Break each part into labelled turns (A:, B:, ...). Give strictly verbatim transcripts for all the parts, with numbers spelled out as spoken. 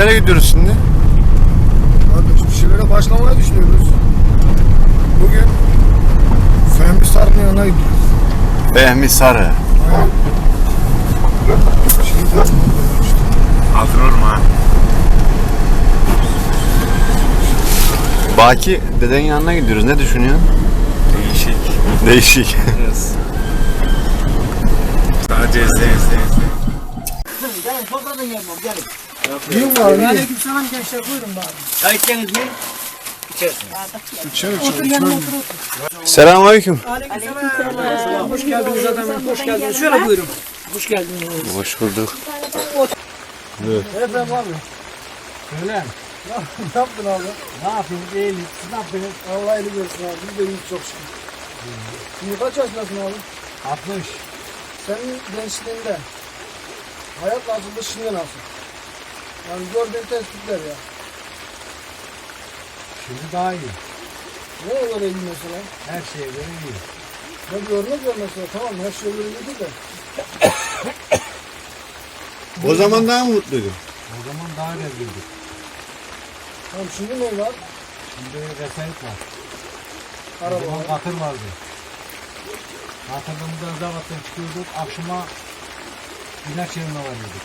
A: nereye gidiyoruz şimdi?
B: Kardeş bir şeylere başlamaya düşünüyoruz. Bugün Fehmi Sarı'nın yanına gidiyoruz.
A: Fehmi Sarı.
B: Aynen. Şimdi
A: Hazır olma. Baki dedenin yanına gidiyoruz. Ne düşünüyorsun?
C: Değişik.
A: Değişik.
C: Yes. Sadece izle izle izle.
D: Gelin sofradan gelmem gelin.
B: Büyük var mı?
D: Aleykümselam gençler buyurun bari. Çay içeceğiniz mi? İçersiniz.
B: İçeri
D: Otur
B: içeri.
D: yanıma otur otur.
A: Selamünaleyküm.
D: Aleykümselam. Hoş geldiniz adamım. Hoş geldiniz. Şöyle buyurun. Hoş geldiniz.
A: Hoş bulduk.
D: Efendim abi.
B: Öyle. Ne yaptın abi?
D: Ne yapayım? İyilik. Siz ne yapıyorsunuz?
B: Allah eli görsün abi. Biz de iyiyiz çok şükür. Şimdi kaç yaşındasın abi?
D: altmış.
B: Senin gençliğinde hayat nasıldı, şimdi nasıl? Yani gördüğün tespitler ya.
D: Şimdi daha iyi.
B: Ne olur iyi mesela?
D: Her şeye göre iyi.
B: Ne bir örnek ver mesela. Tamam her şey öyle değil de.
A: O zaman daha mı mutluydun?
D: O zaman daha rezildik.
B: Tamam şimdi ne var?
D: Şimdi vesayet var. O
B: Araba
D: zaman
B: var.
D: katır vardı. Katırımızda zavattan çıkıyorduk. Akşama ilaç yerine varıyorduk.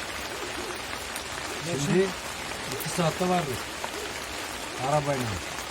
D: Şimdi iki saatte vardık. Arabayla.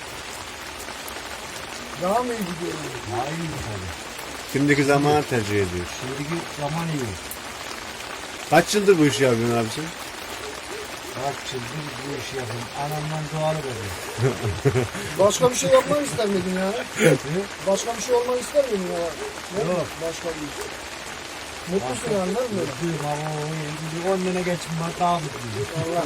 B: Daha mı iyi gidiyor? yani?
D: Daha iyi tabii.
A: Şimdiki zamanı tercih ediyoruz.
D: Şimdiki zaman iyi.
A: Kaç yıldır bu işi yapıyorsun abi sen?
D: Kaç yıldır bu işi yapıyorum. Anamdan doğalı veriyorum.
B: Başka bir şey yapmak ister miydin ya? Başka bir şey olmak ister miydin ya? Ne?
D: Yok.
B: Başka bir iş. Mutlusun yani değil mi? böyle?
D: Mutluyum ama o şimdi on sene geçim var daha mutluyum.
B: Allah.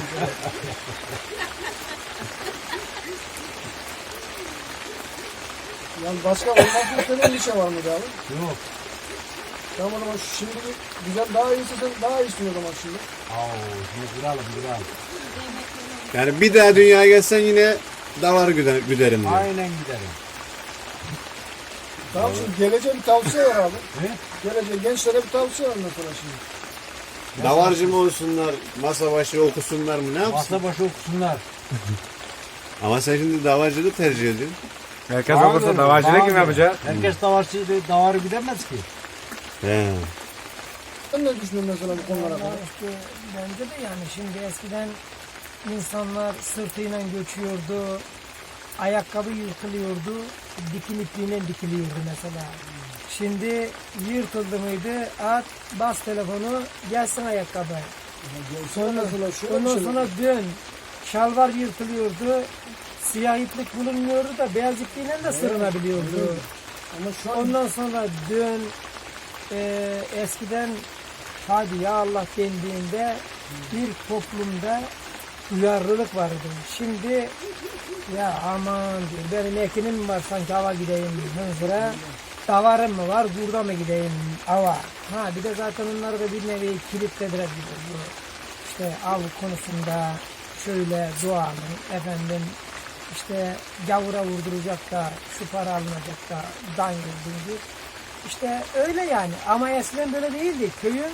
B: Yani başka olmak istediğin bir şey var mıydı abi?
D: Yok.
B: Tamam o zaman şimdi güzel daha iyisi sen daha iyisin o zaman şimdi.
D: Au, şimdi duralım duralım.
A: Yani bir daha dünyaya gelsen yine davarı güder, güderim diyor.
D: Aynen giderim.
B: Tamam şimdi geleceğe bir tavsiye var abi.
D: Ne?
B: Geleceğe gençlere bir tavsiye var mesela şimdi.
A: Davarcı mı olsunlar, masa başı okusunlar mı ne yapsın?
D: Masa başı okusunlar.
A: Ama sen şimdi davarcılığı tercih ediyorsun.
C: Herkes okursa davacılık kim yapacak?
D: Herkes davarcı, davarı gidemez ki.
A: He.
B: Sen ne düşünüyorsun mesela bu konulara kadar?
E: İşte bence de yani şimdi eskiden insanlar sırtıyla göçüyordu, ayakkabı yırtılıyordu, dikim ipliğine dikiliyordu mesela. Şimdi yırtıldı mıydı, at, bas telefonu, gelsin ayakkabı.
B: Sonra mesela şu
E: Ondan
B: şey
E: sonra dön, şalvar yırtılıyordu, siyah iplik bulunmuyordu da beyaz ipliğiyle de sırınabiliyordu.
B: ama şu an
E: Ondan sonra dön, e, eskiden hadi ya Allah dendiğinde bir toplumda duyarlılık vardı. Şimdi ya aman diyor, benim ekinim mi var sanki hava gideyim hınzıra, davarım mı var burada mı gideyim hava. Ha bir de zaten onları da bir nevi kilitlediler gibi bu işte av konusunda şöyle duanın efendim işte gavura vurduracak da şu para alınacak da dan gibi. İşte öyle yani ama eskiden böyle değildi. Köyün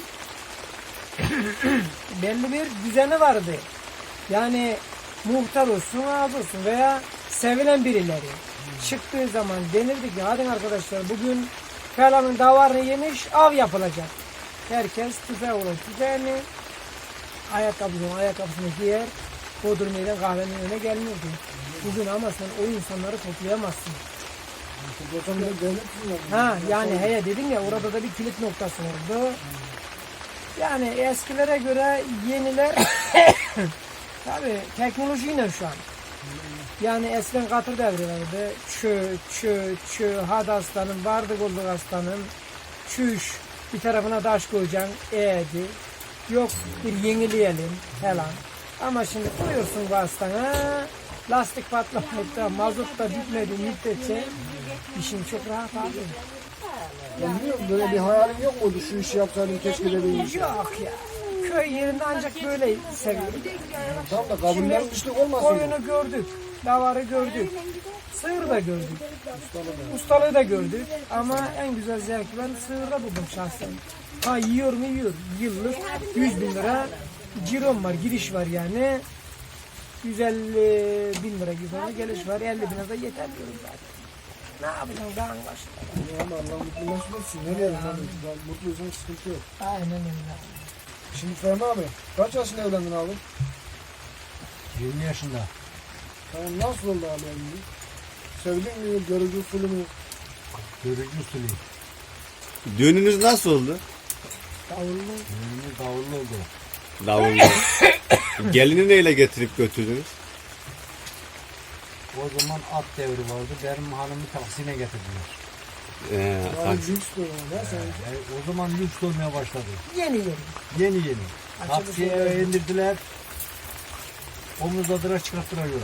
E: belli bir düzeni vardı. Yani muhtar olsun, ağız olsun veya sevilen birileri. Çıktığı zaman denirdi ki hadi arkadaşlar bugün falanın davarını yemiş av yapılacak. Herkes tüfeği olan tüfeğini ayakkabısını ayakkabısını giyer. Bodrum'dan kahvenin önüne gelmiyordu. Bugün ama sen o insanları toplayamazsın.
B: Hocam bir de devlet mi var?
E: Ha yani heye dedim ya orada da bir kilit noktası oldu. Yani eskilere göre yeniler tabii teknolojiyle şu an. Yani eskiden katır devri vardı. Çö, çö, çö, hadi aslanım, vardık olduk aslanım. Çüş, bir tarafına taş koyacaksın, eğdi. Yok bir yenileyelim falan. Ama şimdi koyuyorsun bu aslana, lastik patlamayıp da mazot da bitmedi müddetçe işin çok rahat abi.
B: Ben biliyorum böyle bir hayalim yok muydu şu işi yapsaydım keşke dediğim iş.
E: Yok ya. Köy yerinde ancak böyle seviyorum.
B: Tamam da kabullerin dışlık olmasın.
E: Koyunu gördük, davarı gördük, sığır da gördük, ustalığı da gördük. Ama en güzel zevki ben sığırda buldum şahsen. Ha yiyor mu yiyor. Yıllık yüz bin lira cirom var, giriş var yani. yüz elli bin lira gibi ona geliş var. elli bin lira da yeter diyorum zaten. Ne yapacaksın daha başında?
B: Ama Allah mutlu mesut etsin. Ne diyelim abi? Ben mutluysan sıkıntı yok.
E: Aynen öyle.
B: Şimdi Fehmi abi kaç yaşında evlendin abi?
D: yirmi yaşında.
B: Tamam nasıl oldu abi evlilik? Sevdin mi? Görücü usulü mü?
D: Görücü usulü.
A: Düğününüz nasıl oldu?
E: Davullu.
D: Düğünümüz davullu oldu.
A: Davullu. Gelini neyle getirip götürdünüz?
D: O zaman at devri vardı. Benim hanımı Taksim'e getirdiler.
A: Ee,
B: Yani
A: taksi.
B: lüks diyor ne sen?
D: Yani o zaman lüks olmaya başladı.
E: Yeni yeni.
D: Yeni yeni.
E: Açılış
D: Taksiye
E: oldu.
D: eve indirdiler. Omuzladılar çıkarttılar yola.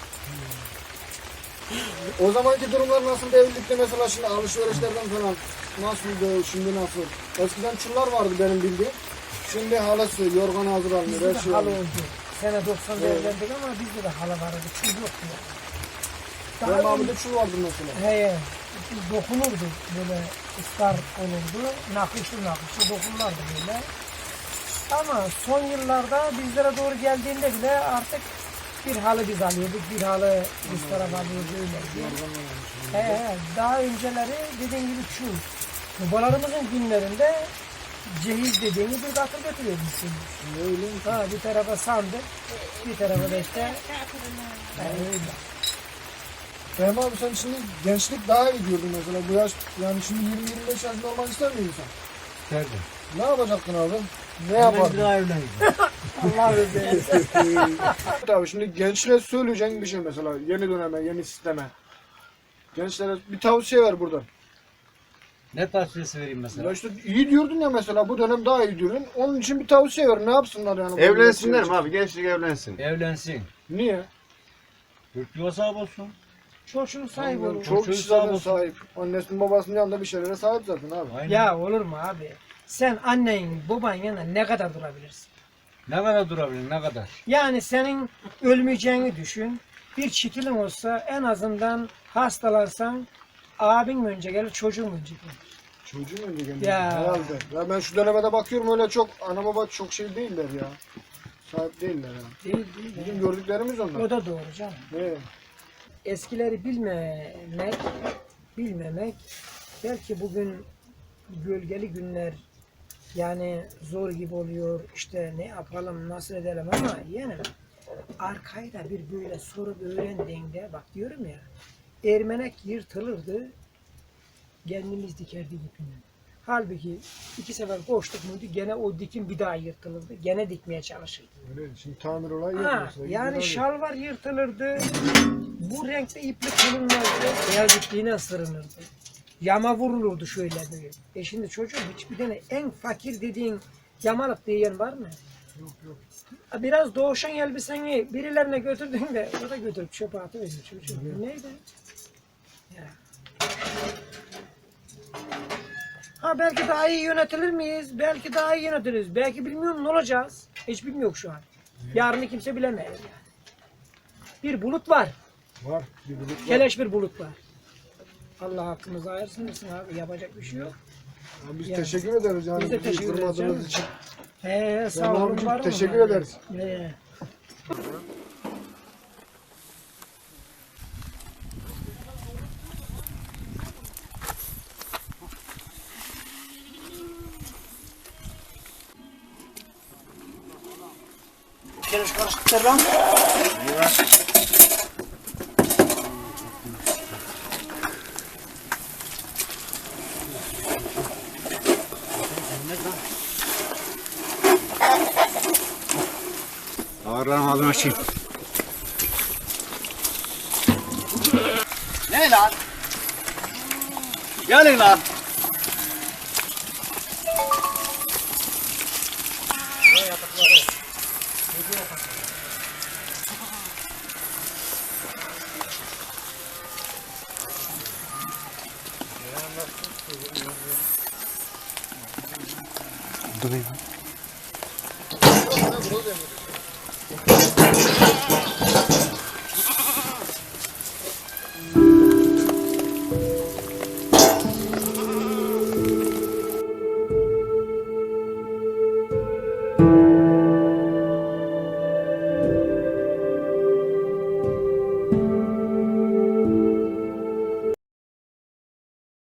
B: O zamanki durumlar nasıl evlilikte mesela şimdi alışverişlerden falan nasıldı şimdi nasıl? Eskiden çullar vardı benim bildiğim. Şimdi halası yorgan hazır almıyor.
E: Bizde
B: Her
E: de
B: şey
E: halı
B: alıyor.
E: oldu. Sene doksan'da
B: Evet.
E: evlendik ama bizde de halı vardı. Çul yoktu yani.
B: Benim
E: Daha
B: abimde çul vardı mesela.
E: He, dokunurdu böyle ıslar olurdu. Nakışlı nakışlı dokunurlardı böyle. Ama son yıllarda bizlere doğru geldiğinde bile artık bir halı biz alıyorduk, bir halı biz tarafa alıyorduk öyle. He, he, daha önceleri dediğim gibi çul. Babalarımızın günlerinde cehiz dediğini bir katır götürüyormuşsun.
B: Öyle.
E: Ha, bir tarafa sandık, bir tarafa da işte he, öyle.
B: Fehmi abi sen şimdi gençlik daha iyi diyordun mesela bu yaş yani şimdi yirmi yirmi beş yaşında olmak ister miydin sen?
D: İsterdim.
B: Ne yapacaktın abi? Ne
D: Hemen bir
B: yapardın?
D: daha evlendim.
E: Allah razı olsun.
B: Abi şimdi gençlere söyleyeceğin bir şey mesela yeni döneme, yeni sisteme. Gençlere bir tavsiye ver buradan.
D: Ne tavsiyesi vereyim mesela?
B: Ya işte iyi diyordun ya mesela bu dönem daha iyi diyordun. Onun için bir tavsiye ver. Ne yapsınlar yani? bu
A: Evlensinler
B: millet
A: mi abi? Gençlik evlensin.
D: Evlensin.
B: için? Niye?
D: Türk yuva sahibi olsun.
E: Çocuğun sahibi olur.
B: Çok
D: Çocuğu
B: kişi zaten
D: sağ olsun.
B: sahip. Annesinin babasının yanında bir şeylere sahip zaten abi.
D: Aynen.
E: Ya olur mu abi? Sen annen, baban yanında ne kadar durabilirsin?
D: Ne kadar durabilir ne kadar?
E: Yani senin ölmeyeceğini düşün. Bir çitilin olsa en azından hastalansan abin mi önce gelir, çocuğun mu önce gelir?
B: Çocuğun önce geldi.
E: Ya.
B: Herhalde. Ya ben şu dönemde bakıyorum öyle çok ana baba çok şey değiller ya. Sahip değiller ya.
E: Değil, değil.
B: Bizim gördüklerimiz onlar.
E: O da doğru canım.
B: Ne?
E: Eskileri bilmemek, bilmemek belki bugün gölgeli günler yani zor gibi oluyor işte ne yapalım nasıl edelim ama yani arkayı da bir böyle sorup öğrendiğinde bak diyorum ya ermenek yırtılırdı kendimiz dikerdik ipini. Halbuki iki sefer koştuk muydu gene o dikim bir daha yırtılırdı gene dikmeye çalışırdı.
B: Öyle. Şimdi tamir olayı yok
E: Ha,
B: mesela.
E: yani
B: Gidiyor
E: şalvar yırtılırdı. Bu renkte iplik kılınmazdı. Beyaz ipliğine ısırınırdı. Yama vurulurdu şöyle böyle. E şimdi çocuğum hiçbir tane en fakir dediğin yamalık diyen var mı?
B: Yok yok.
E: Biraz doğuşan elbiseni birilerine götürdün de o da götürüp çöpe atıveriyor çocuğum. Bu neydi? Ya. Ha belki daha iyi yönetilir miyiz? Belki daha iyi yönetiliriz. Belki bilmiyorum ne olacağız. Hiç bilmiyor şu an. Yarını kimse bilemez yani. Bir bulut var.
B: Var. Bir bulut var.
E: Keleş bir bulut var. Allah hakkımızı ayırsın mısın abi? Yapacak bir şey yok.
B: Ya biz
E: Yani.
B: teşekkür ederiz yani.
E: Biz de
B: bizi
E: teşekkür ederiz
B: kırmadığınız
E: canım.
B: için.
E: He sağ
B: Yani
E: olun.
B: abicim,
E: var mı?
B: teşekkür
E: Yani?
B: ederiz.
E: He. Keleş karışıktır lan.
A: Ağırlarım ağzını açayım.
C: Ne lan? Gelin lan.
B: Ne, burada demiyor.